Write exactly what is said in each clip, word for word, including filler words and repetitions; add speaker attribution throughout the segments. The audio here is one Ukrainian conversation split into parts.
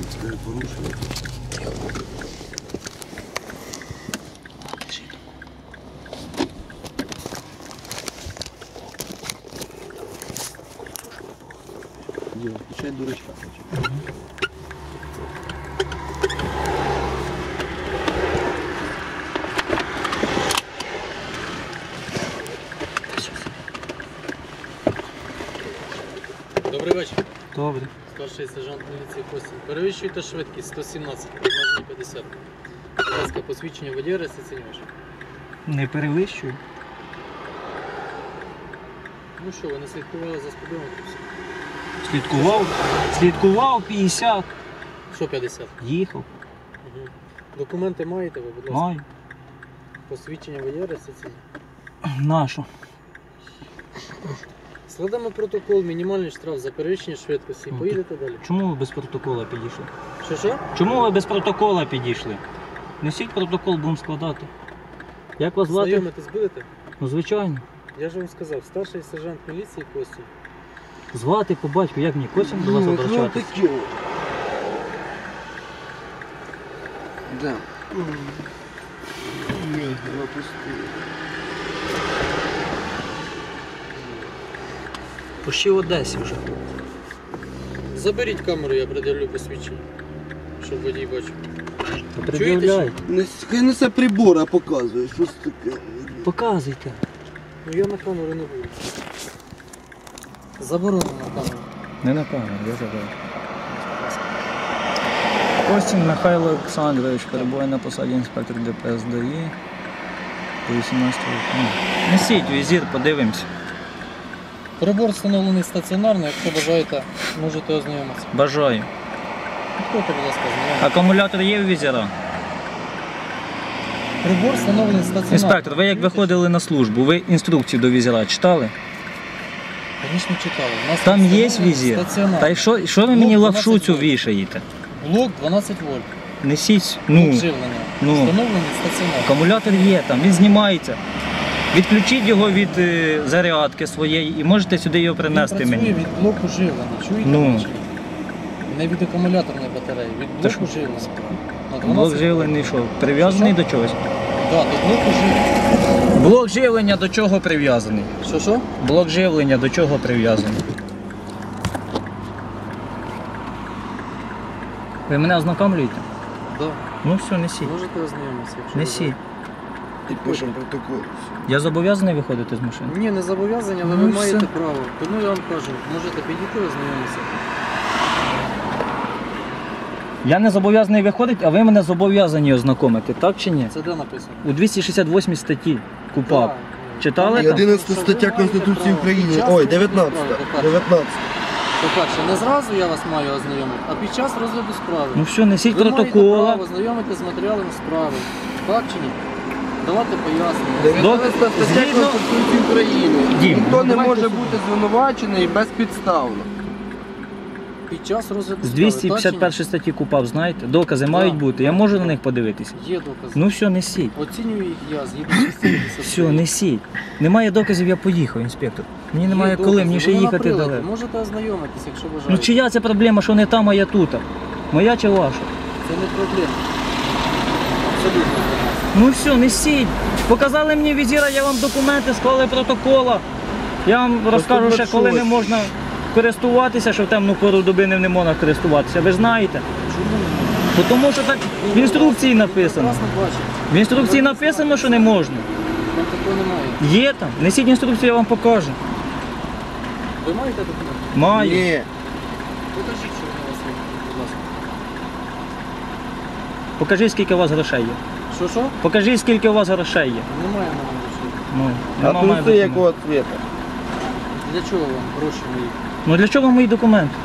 Speaker 1: Порушили. Діма, включай дурачка.
Speaker 2: Добрий вечір.
Speaker 3: Добре.
Speaker 2: Старший сержант міліції Костін. Перевищуйте швидкість сто сімнадцять, обмеження п'ятдесят. Будь ласка, посвідчення водія реєстраційний ваш.
Speaker 3: Не перевищую.
Speaker 2: Ну що, ви не слідкували за спідометром?
Speaker 3: Слідкував. Слідкував п'ятдесят.
Speaker 2: Що п'ятдесят?
Speaker 3: Їхав.
Speaker 2: Угу. Документи маєте ви, будь ласка?
Speaker 3: Маю.
Speaker 2: Посвідчення водія реєстраційний.
Speaker 3: Нашу.
Speaker 2: Складемо протокол, мінімальний штраф за перевищення швидкості.
Speaker 3: Ну,
Speaker 2: Поїдете далі.
Speaker 3: Чому ви без протокола підійшли?
Speaker 2: Що що?
Speaker 3: Чому ви без протокола підійшли? Несіть протокол, будемо складати. Як вас звати?
Speaker 2: Знайомитись будете?
Speaker 3: Ну, звичайно.
Speaker 2: Я ж вам сказав, старший сержант міліції Костін.
Speaker 3: Звати по батьку, як мені Костін до вас обращатися?
Speaker 1: Да. Ні, пропустили.
Speaker 3: Пущі в Одесі вже.
Speaker 2: Заберіть камеру, я приділю посвідчення, щоб водій бачив.
Speaker 3: Пред'являйте.
Speaker 1: Не, хай несе прибор, а показує, що це таке.
Speaker 3: Показуйте.
Speaker 2: Ну я на камеру не буду. Заборонено на камеру.
Speaker 3: Не на камеру, я забрав. Костін Михайло Олександрович перебуває на посаді інспектор ДПС ДАІ. По вісімнадцятому року. Несіть візір, подивимось.
Speaker 2: Прибор встановлений стаціонарно, якщо бажаєте, можете ознайомитися.
Speaker 3: Бажаю.
Speaker 2: Підходьте, будь ласка, ознайомитися.
Speaker 3: Акумулятор є в візіра?
Speaker 2: Прибор встановлений стаціонарно.
Speaker 3: Інспектор, ви як виходили на службу, ви інструкцію до візіра читали?
Speaker 2: Звісно, читали. У нас
Speaker 3: Там є
Speaker 2: встановлений
Speaker 3: візір?
Speaker 2: стаціонар.
Speaker 3: Та й що, що ви мені
Speaker 2: Блок
Speaker 3: лапшу
Speaker 2: дванадцять
Speaker 3: цю
Speaker 2: вольт.
Speaker 3: вішаєте?
Speaker 2: Блок дванадцять вольт.
Speaker 3: Несіть,
Speaker 2: Блок
Speaker 3: ну,
Speaker 2: живлення.
Speaker 3: ну.
Speaker 2: Встановлений стаціонар.
Speaker 3: акумулятор є там, він знімається. Відключіть його від е, зарядки своєї і можете сюди його принести
Speaker 2: Він працює
Speaker 3: мені.
Speaker 2: від блоку живлення, чуєте?
Speaker 3: Ну.
Speaker 2: чи ні? Не від акумуляторної батареї, від
Speaker 3: Та
Speaker 2: блоку
Speaker 3: що?
Speaker 2: живлення. На
Speaker 3: Блок
Speaker 2: дванадцять
Speaker 3: живлення що, прив'язаний
Speaker 2: Що?
Speaker 3: до чогось?
Speaker 2: Так, до блоку живлення.
Speaker 3: Блок живлення до чого прив'язаний?
Speaker 2: Що що?
Speaker 3: Блок живлення до чого прив'язаний? Ви мене ознакомлюєте?
Speaker 2: Да.
Speaker 3: Ну все, несіть.
Speaker 2: Можете ознайомитися, якщо
Speaker 3: Несіть.
Speaker 1: І пишемо протокол.
Speaker 3: Я зобов'язаний виходити з машини?
Speaker 2: Ні, не зобов'язані, але
Speaker 3: Ну
Speaker 2: ви
Speaker 3: і
Speaker 2: маєте
Speaker 3: все.
Speaker 2: право. Тому я вам кажу, можете підійти ознайомитися.
Speaker 3: Я не зобов'язаний виходити, а ви мене зобов'язані ознакомити, так чи ні?
Speaker 2: Це де написано?
Speaker 3: У двісті шістдесят восьмій статті КУПАП.
Speaker 2: Так.
Speaker 3: Читали
Speaker 1: І
Speaker 3: там?
Speaker 1: одинадцята стаття Конституції України. Ой, дев'ятнадцята. дев'ятнадцята.
Speaker 2: По-перше, не зразу я вас маю ознайомити, а під час розгляду справи.
Speaker 3: Ну все, несіть
Speaker 2: Ви маєте
Speaker 3: протокола.
Speaker 2: право ознайомити з матеріалами справи. Так чи ні? Давати пояснення.
Speaker 1: дев'ятнадцята стаття
Speaker 3: Згідно-
Speaker 1: Конституції України.
Speaker 3: Дім,
Speaker 1: Ніхто не
Speaker 2: давайте
Speaker 1: може
Speaker 2: сюди.
Speaker 1: бути звинувачений безпідставно.
Speaker 2: Під час розгляду
Speaker 3: З
Speaker 2: справи.
Speaker 3: двісті
Speaker 2: так
Speaker 3: п'ятдесят
Speaker 2: чи
Speaker 3: першої статті КУПАП, знаєте? Докази
Speaker 2: Да.
Speaker 3: мають бути. Я можу на них подивитися?
Speaker 2: ні? Є докази.
Speaker 3: Ну все, несіть.
Speaker 2: Оцінюю їх я, згідно з частини десятої.
Speaker 3: Все, несіть. Немає доказів, я поїхав, інспектор. Мені
Speaker 2: Є
Speaker 3: немає
Speaker 2: докази,
Speaker 3: коли, мені ще
Speaker 2: вони на
Speaker 3: їхати
Speaker 2: приладі.
Speaker 3: далеко.
Speaker 2: Можете ознайомитися, якщо бажаєте.
Speaker 3: Ну чия це проблема, що не там, а я тут? Моя чи ваша?
Speaker 2: Це не проблема. Абсолютно.
Speaker 3: Ну все, несіть. Показали мені візира, я вам документи, склали протокола. Я вам розкажу ще, коли не можна користуватися, що в темну пору доби не, не можна користуватися. Ви ж знаєте.
Speaker 2: Чому не можна?
Speaker 3: Бо Тому що так в інструкції написано.
Speaker 2: Прекрасно бачите.
Speaker 3: В інструкції написано, що не можна.
Speaker 2: Там такого немає.
Speaker 3: Є там. Несіть інструкцію, я вам покажу.
Speaker 2: Ви маєте документи?
Speaker 3: Маю.
Speaker 1: Ні.
Speaker 2: Покажіть, що вони у вас є, будь ласка.
Speaker 3: Покажіть, скільки у вас грошей є.
Speaker 2: Що, що?
Speaker 3: Покажіть, скільки у вас грошей є.
Speaker 2: Немає на мене грошей.
Speaker 3: Ну,
Speaker 1: А
Speaker 3: нема моїх
Speaker 1: труси
Speaker 3: документів.
Speaker 1: якого цвіта?
Speaker 2: Для чого вам гроші мої?
Speaker 3: Ну для чого мої документи?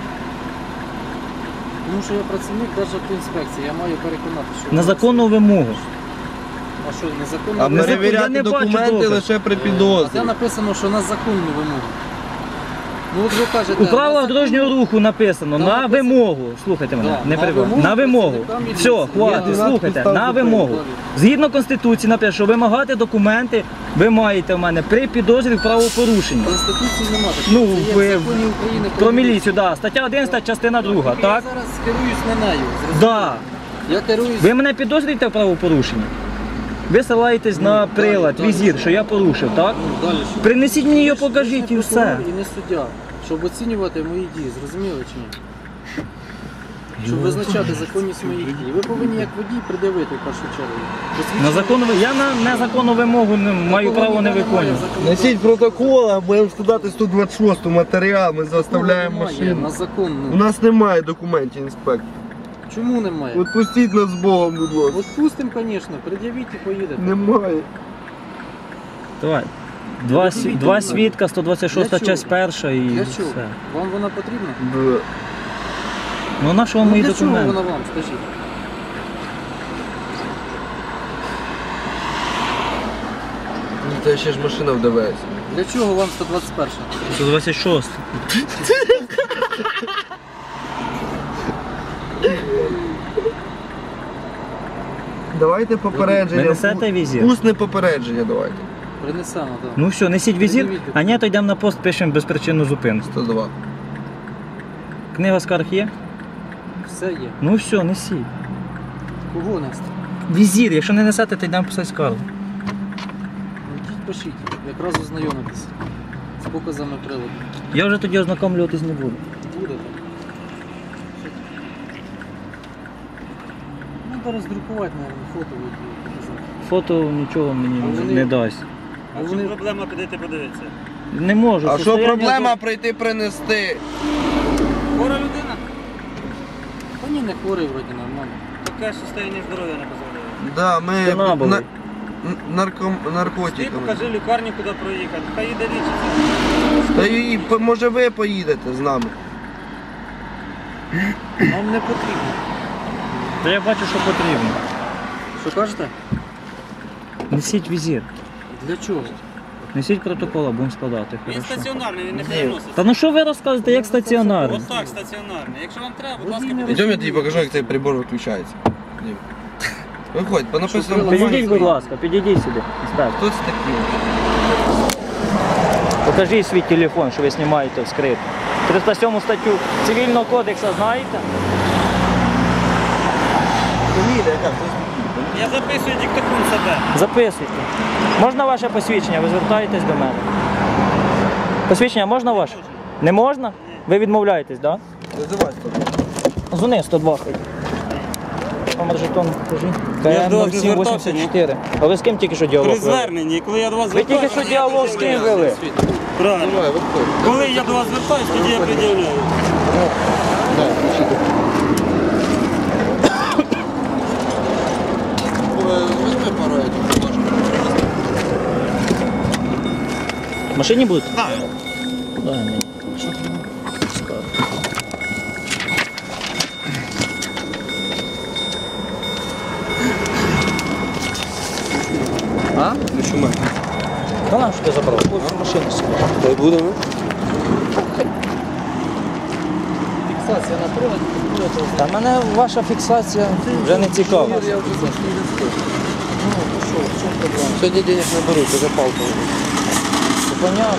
Speaker 2: Тому що я працівник Державтоінспекції, я маю переконати, що...
Speaker 3: На
Speaker 2: ви-
Speaker 3: законну вимогу.
Speaker 2: А що, незаконно?
Speaker 1: А
Speaker 3: Не закон- я
Speaker 1: перевіряти
Speaker 3: не бачу
Speaker 1: документи
Speaker 3: доказів.
Speaker 1: лише при
Speaker 2: А де
Speaker 1: підозрі.
Speaker 2: написано, що на законну вимогу? Ну от ви кажете,
Speaker 3: У правилах
Speaker 2: на
Speaker 3: дорожнього руху написано
Speaker 2: Там
Speaker 3: на
Speaker 2: написано-
Speaker 3: вимогу. Слухайте мене,
Speaker 2: Да,
Speaker 3: не
Speaker 2: на
Speaker 3: перебивайте.
Speaker 2: вимогу
Speaker 3: На вимогу.
Speaker 2: працівника
Speaker 3: Все,
Speaker 2: міліції.
Speaker 3: хватить,
Speaker 2: Я
Speaker 3: слухайте,
Speaker 1: підстав
Speaker 3: на
Speaker 1: зупинив.
Speaker 3: вимогу. Згідно Конституції написано, що вимагати документи ви маєте в мене при підозрі в правопорушенні.
Speaker 2: Конституції немає.
Speaker 3: Ну,
Speaker 2: Це є
Speaker 3: ви-
Speaker 2: в законі України
Speaker 3: Про міліцію, так. Да. Стаття одинадцята, частина друга,
Speaker 2: Я
Speaker 3: так?
Speaker 2: зараз керуюсь не нею. зрозуміли?
Speaker 3: Да.
Speaker 2: Я керуюсь.
Speaker 3: Ви мене підозрюєте в правопорушенні? Ви ссилаєтесь
Speaker 2: Ну,
Speaker 3: на
Speaker 2: далі,
Speaker 3: прилад,
Speaker 2: далі.
Speaker 3: візір, що я порушив, так?
Speaker 2: Ну, далі що?
Speaker 3: Принесіть мені його,
Speaker 2: Ви ж-
Speaker 3: покажіть
Speaker 2: ви
Speaker 3: і
Speaker 2: ж не
Speaker 3: все.
Speaker 2: прокурор і не суддя, щоб оцінювати мої дії, зрозуміли чи ні? Щоб визначати законність моїх дій. Ви повинні як водій придивити в першу чергу.
Speaker 3: На законну, ви- я на незаконну вимогу не маю
Speaker 2: Такого
Speaker 3: право не
Speaker 2: ніде немає
Speaker 3: виконувати.
Speaker 2: законодавства.
Speaker 1: Несіть протокол, а будемо складати сто двадцять шосту матеріал, ми заставляємо
Speaker 2: Немає
Speaker 1: машину.
Speaker 2: На закон.
Speaker 1: У
Speaker 2: Ну.
Speaker 1: нас немає документів, інспектор.
Speaker 2: Чому немає?
Speaker 1: От пустіть нас з Богом, будь ласка.
Speaker 2: От пустим, звісно, пред'явіть і поїдете.
Speaker 1: Немає.
Speaker 3: Давай. Два, сві- два свідка, сто двадцять шоста
Speaker 2: Для
Speaker 3: часть
Speaker 2: чого?
Speaker 3: перша і
Speaker 2: Для
Speaker 3: все.
Speaker 2: чого? Вам вона потрібна?
Speaker 1: Да.
Speaker 3: Ну на що вам
Speaker 2: Ну,
Speaker 3: мої
Speaker 2: для чого
Speaker 3: документи?
Speaker 2: вона вам, скажіть?
Speaker 1: Ну, Це ще ж машина в ДВС.
Speaker 2: Для чого вам сто двадцять перша?
Speaker 3: сто двадцять шоста.
Speaker 1: Давайте попередження.
Speaker 3: Ви несете візір?
Speaker 1: Усне попередження давайте.
Speaker 2: Принесемо, так.
Speaker 3: Ну все, несіть візір,
Speaker 2: Пред'явіть
Speaker 3: а ні, то йдемо на пост, пишемо безпричинну зупинку.
Speaker 1: сто два.
Speaker 3: Книга скарг є?
Speaker 2: Все є.
Speaker 3: Ну все, несіть.
Speaker 2: Кого нести?
Speaker 3: Візір, якщо не несете, то йдемо писати скаргу.
Speaker 2: Ну, Йдіть пишіть, якраз ознайомитися з показами приладу.
Speaker 3: Я вже тоді ознакомлюватись не буду.
Speaker 2: Будете. Ну, зараз друкувати, мабуть, фото будуть показати.
Speaker 3: Фото нічого мені
Speaker 2: А вони-
Speaker 3: не дасть.
Speaker 2: А
Speaker 4: А
Speaker 2: вони-
Speaker 4: що проблема підійти подивитися?
Speaker 3: Не можу.
Speaker 1: А що
Speaker 3: состояння
Speaker 1: проблема прийти принести?
Speaker 4: Хвора людина?
Speaker 2: Та ні, не хворий вроді, нормально.
Speaker 4: Таке состояння здоров'я не дозволяє.
Speaker 1: Да, ми
Speaker 3: Спина болить.
Speaker 1: на, н- нарком,
Speaker 4: Ти
Speaker 1: наркотиками.
Speaker 4: покажи лікарню, куди проїхати. Хай їде лічиться.
Speaker 1: Та і по- може ви поїдете з нами?
Speaker 2: Нам не потрібно.
Speaker 3: Та я бачу, що потрібно.
Speaker 2: Що кажете?
Speaker 3: Несіть візір.
Speaker 2: Для чого?
Speaker 3: Несіть протокол, будемо складати.
Speaker 4: Він
Speaker 3: Хорошо.
Speaker 4: стаціонарний, він не
Speaker 1: Ні.
Speaker 4: переноситься.
Speaker 3: Та ну що ви розказуєте, як стаціонарний?
Speaker 4: Ось так, стаціонарний. Якщо вам треба, будь
Speaker 2: Водій
Speaker 4: ласка,
Speaker 2: не
Speaker 4: підійдіть.
Speaker 1: Йдемо, я тобі покажу, як цей прибор виключається. Дім. Виходь, по написаному
Speaker 2: Що,
Speaker 3: Підійдіть, будь ласка, підійдіть сюди. інспектор.
Speaker 1: Хто це такий?
Speaker 3: Покажіть свій телефон, що ви знімаєте вскрито. триста сьому статтю Цивільного кодексу знаєте?
Speaker 1: Фамілія яка?
Speaker 4: Я записую диктофон себе.
Speaker 3: Записуйте. Можна ваше посвідчення? Ви звертаєтесь до мене. Посвідчення можна ваше? Не можна? Ви відмовляєтесь, так?
Speaker 1: Називай сто два.
Speaker 3: Дзвони сто два. хоч. Номер жетону покажи.
Speaker 4: Я до вас
Speaker 3: КМ
Speaker 4: не
Speaker 3: сім
Speaker 4: звертався,
Speaker 3: вісімдесят чотири. А ви з ким тільки що діалог
Speaker 4: При
Speaker 3: вели?
Speaker 4: зверненні, коли я до вас
Speaker 3: Ви тільки
Speaker 4: звертаюся,
Speaker 3: що діалог з ким вели?
Speaker 4: правильно.
Speaker 1: Давай, виходь.
Speaker 4: Коли я до вас звертаюсь, тоді я пред'являю.
Speaker 1: Да, включи. Візьми пару этих.
Speaker 3: В машині будете? Так. Дай мені. Скажу.
Speaker 1: А? Ну чому?
Speaker 3: Та нам що ти забрав? Ось в машину сидиш.
Speaker 1: Та й будемо.
Speaker 2: Фіксація на приладі, будете
Speaker 3: Та мене ваша фіксація вже не цікава.
Speaker 2: Я вже завжди не скажу. Ну, то що, в чому проблема?
Speaker 1: Сьогодні денег не беруть, вже палка.
Speaker 3: Це понятно.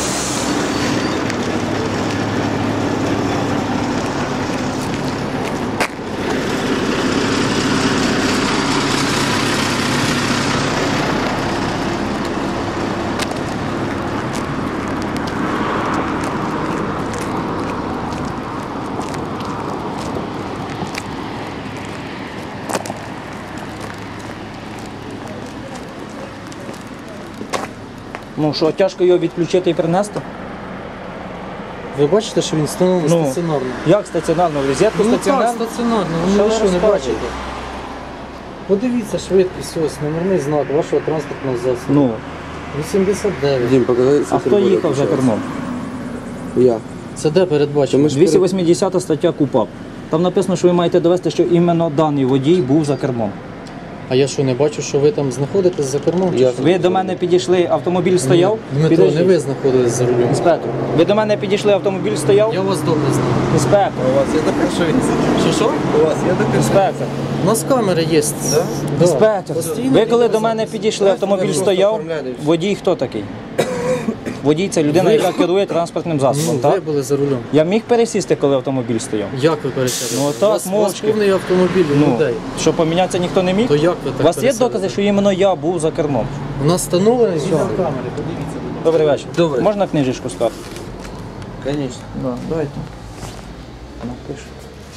Speaker 3: Ну що, тяжко його відключити і принести?
Speaker 2: Ви бачите, що він встановлений
Speaker 3: Ну.
Speaker 2: стаціонарно?
Speaker 3: Як стаціонарно? В розетку
Speaker 2: Ну так,
Speaker 3: стаціонарно?
Speaker 2: стаціонарно,
Speaker 3: Що
Speaker 2: ну ви
Speaker 3: ви
Speaker 2: що не
Speaker 3: розказуєте?
Speaker 2: бачите? Подивіться швидкість, ось номерний знак вашого транспортного засобу.
Speaker 3: Ну,
Speaker 2: вісімдесят дев'ять.
Speaker 1: Дім, покажи.
Speaker 3: а хто їхав за кермом?
Speaker 1: Я.
Speaker 2: Це де передбачено?
Speaker 3: двісті вісімдесята стаття КУПАП. Там написано, що ви маєте довести, що іменно даний водій був за кермом.
Speaker 2: А я що, не бачу, що ви там знаходитесь за кермом? чи
Speaker 1: Я-
Speaker 2: що?
Speaker 3: Ви до мене підійшли, автомобіль стояв.
Speaker 2: Дмитро,
Speaker 3: Підождіть.
Speaker 2: не ви знаходились за рулем.
Speaker 3: Інспектор, ви до мене підійшли, автомобіль стояв.
Speaker 2: Я вас добре знаю.
Speaker 3: Інспектор,
Speaker 1: У вас є таке, що він
Speaker 2: Що що?
Speaker 1: У вас є таке,
Speaker 3: інспектор.
Speaker 2: У нас камери є.
Speaker 1: Да?
Speaker 2: Да.
Speaker 3: Інспектор,
Speaker 2: Постійно
Speaker 3: ви коли
Speaker 2: відео
Speaker 3: до мене
Speaker 2: запис.
Speaker 3: підійшли, автомобіль
Speaker 1: просто
Speaker 3: стояв.
Speaker 1: оформляли і все.
Speaker 3: Водій хто такий? Водій це людина,
Speaker 2: Ви-
Speaker 3: яка керує транспортним засобом,
Speaker 2: Ну, ви
Speaker 3: так?
Speaker 2: були за рулем.
Speaker 3: Я міг пересісти, коли автомобіль стояв.
Speaker 2: Як ви пересядете?
Speaker 3: Ну, так,
Speaker 2: у вас, у вас
Speaker 3: мовчки.
Speaker 2: повний автомобіль у
Speaker 3: Ну,
Speaker 2: людей.
Speaker 3: що помінятися ніхто не міг?
Speaker 2: То як ви так
Speaker 3: У вас є
Speaker 2: пересядете?
Speaker 3: докази, що іменно я був за кермом?
Speaker 2: У нас встановлені відеокамери, подивіться, будь ласка.
Speaker 3: Добрий вечір.
Speaker 1: Добрий.
Speaker 3: Можна книжечку сказати?
Speaker 1: Звісно.
Speaker 3: Да, давайте. Напишу.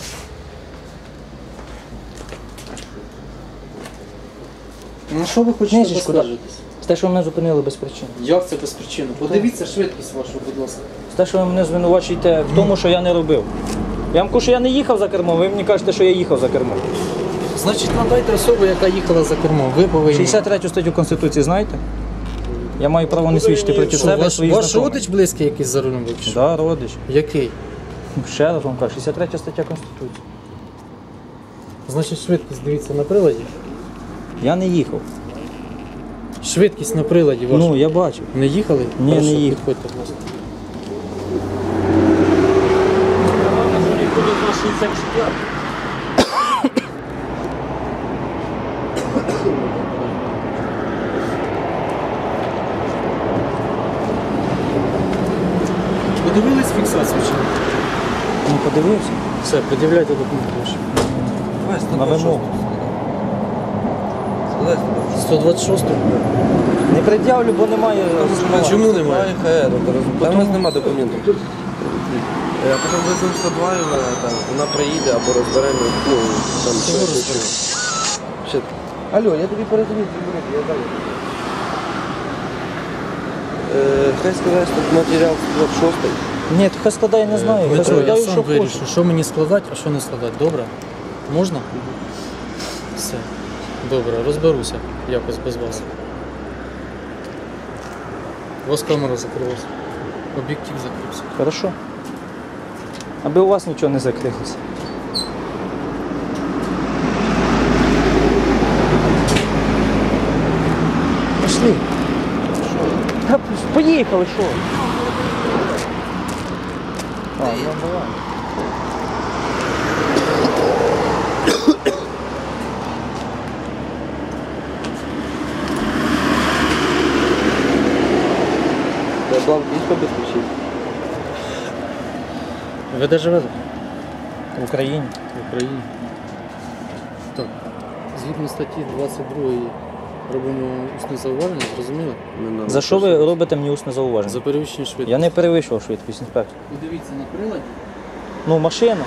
Speaker 2: Ну що ви хочете
Speaker 3: Книжечку, да.
Speaker 2: поскаржитись?
Speaker 3: З те, що ви мене зупинили без причин.
Speaker 2: Як це без причини? Подивіться швидкість вашу, будь ласка.
Speaker 3: З те, що ви мене звинувачуєте в тому, що я не робив. Я вам кажу, що я не їхав за кермом, ви мені кажете, що я їхав за кермом.
Speaker 2: Значить, надайте особу, яка їхала за кермом. Ви повинні.
Speaker 3: шістдесят третю статтю Конституції знаєте? Я маю право не свідчити проти
Speaker 2: Що,
Speaker 3: себе
Speaker 2: ваш,
Speaker 3: своїх
Speaker 2: ваш
Speaker 3: знайомих.
Speaker 2: родич близький якийсь за рулем був? чи що?
Speaker 3: Да, родич.
Speaker 2: Який?
Speaker 3: Ще раз вам кажу, шістдесят третя стаття Конституції.
Speaker 2: Значить, швидкість дивіться на приладі.
Speaker 3: Я не їхав.
Speaker 2: Швидкість на приладі ваша.
Speaker 3: Ну, я бачив.
Speaker 2: Не їхали?
Speaker 3: Ні,
Speaker 2: Прошу,
Speaker 3: не їхав.
Speaker 2: підходьте, будь ласка. Подивились фіксацію чи ні?
Speaker 3: Ну, подивився.
Speaker 2: Все, пред'являйте документи ваші.
Speaker 1: Давай,
Speaker 3: На вимогу.
Speaker 2: сто двадцять шість?
Speaker 3: Не пред'явлю, бо немає.
Speaker 2: А чому немає?
Speaker 1: Там у нас немає документів. А потім веземо сто два, і вона там, вона приїде або розберемо, ну, там
Speaker 2: Чого
Speaker 1: щось.
Speaker 2: розберемо?
Speaker 1: Ще. Алло, я тобі перезвоню, я далі. Е, Хай сказати, що матеріал сто двадцять шість.
Speaker 3: Ні, то хай складає, не знаю. Хай
Speaker 2: Дмитро, я
Speaker 3: складаю,
Speaker 2: сам
Speaker 3: що
Speaker 2: вирішу,
Speaker 3: хочу.
Speaker 2: що мені складати, а що не складати. Добре? Можна? Все. Добре, розберуся якось без вас. У вас камера закрилася. Об'єктив закрився.
Speaker 3: Хорошо. Аби у вас нічого не закрилося. Пішли. Та поїхали, що? А, ну давай.
Speaker 1: Да, бланк є побезпечити?
Speaker 2: Ви де живете?
Speaker 3: В Україні.
Speaker 2: В Україні. Так. Згідно статті двадцять другої робимо усне зауваження, зрозуміли?
Speaker 3: За що ви робите мені усне зауваження?
Speaker 2: За перевищення швидкості.
Speaker 3: Я не перевищував швидкість, інспектор.
Speaker 2: Подивіться на приладі.
Speaker 3: Ну, машина.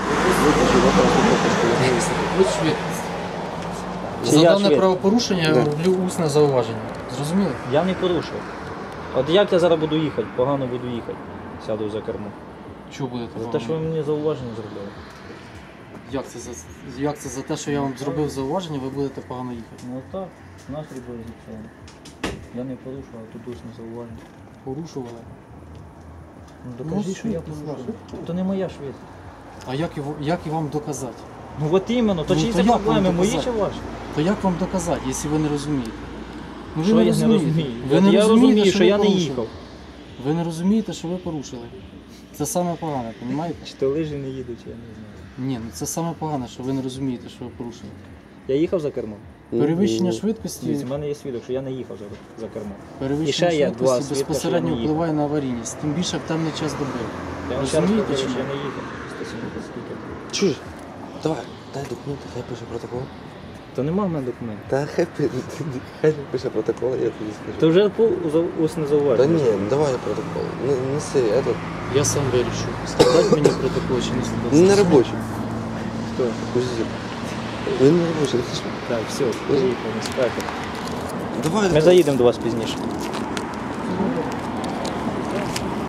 Speaker 2: Ось швидкість.
Speaker 3: Чи
Speaker 2: За
Speaker 3: я
Speaker 2: дане
Speaker 3: швидкість?
Speaker 2: правопорушення я
Speaker 1: Да.
Speaker 2: роблю усне зауваження. Зрозуміли?
Speaker 3: Я не порушив. От як я зараз буду їхати? Погано буду їхати. Сяду за кермо.
Speaker 2: Чого будете
Speaker 3: За
Speaker 2: вам?
Speaker 3: те, що ви мені зауваження зробили.
Speaker 2: Як це, за... Як це за те, що я вам зробив зауваження, ви будете погано їхати?
Speaker 3: Ну так, настрій був зіпсований. Я не порушував, тут усне зауваження.
Speaker 2: Порушували.
Speaker 3: Ну докажіть,
Speaker 2: Ну,
Speaker 3: що я
Speaker 2: швидкість
Speaker 3: порушив. То не моя швидкість.
Speaker 2: А як, його, як і вам доказати?
Speaker 3: Ну от іменно, то
Speaker 2: Ну,
Speaker 3: чиї
Speaker 2: то
Speaker 3: це
Speaker 2: як вам
Speaker 3: проблеми, мої
Speaker 2: доказати?
Speaker 3: чи ваші?
Speaker 2: То як вам доказати, якщо ви не розумієте? Ну, ви
Speaker 3: Що я не розумію?
Speaker 2: Ви не
Speaker 3: я
Speaker 2: розумієте,
Speaker 3: розумію, що
Speaker 2: ви
Speaker 3: я не
Speaker 2: порушили.
Speaker 3: їхав.
Speaker 2: Ви не розумієте, що ви порушили. Це саме погане, розумієте?
Speaker 3: Чи то лижі не їдуть, я не знаю.
Speaker 2: Ні, ну це саме погане, що ви не розумієте, що ви порушили.
Speaker 3: Я їхав за кермом?
Speaker 2: Перевищення швидкості,
Speaker 3: Дивіться, в мене є свідок, що я не їхав за, за кермом.
Speaker 2: перевищення
Speaker 3: І ще є два
Speaker 2: швидкості
Speaker 3: свідка,
Speaker 2: безпосередньо
Speaker 3: що я не
Speaker 2: впливає на аварійність, тим більше в темний час доби.
Speaker 3: Я вам ще раз
Speaker 2: Розумієте
Speaker 3: повторюю,
Speaker 2: чи
Speaker 3: що я
Speaker 2: ні?
Speaker 3: не їхав. сто сімдесят скільки.
Speaker 1: Чуєш? Давай, дай документи, хай пише протокол.
Speaker 3: То нема в мене документів.
Speaker 1: Та хай, пи- хай пише протокол, я тобі скажу.
Speaker 3: То вже по за- усне
Speaker 1: Та
Speaker 3: зауваження.
Speaker 1: ні, ну давай протокол. Не, неси, этот,
Speaker 2: Я сам вирішу, складати мені протокол чи не складати.
Speaker 1: не робочий.
Speaker 3: Хто?
Speaker 1: Узір. Він не робочий.
Speaker 3: Так, все, поїхали, інспектор.
Speaker 1: Давай.
Speaker 3: Ми заїдемо до вас пізніше.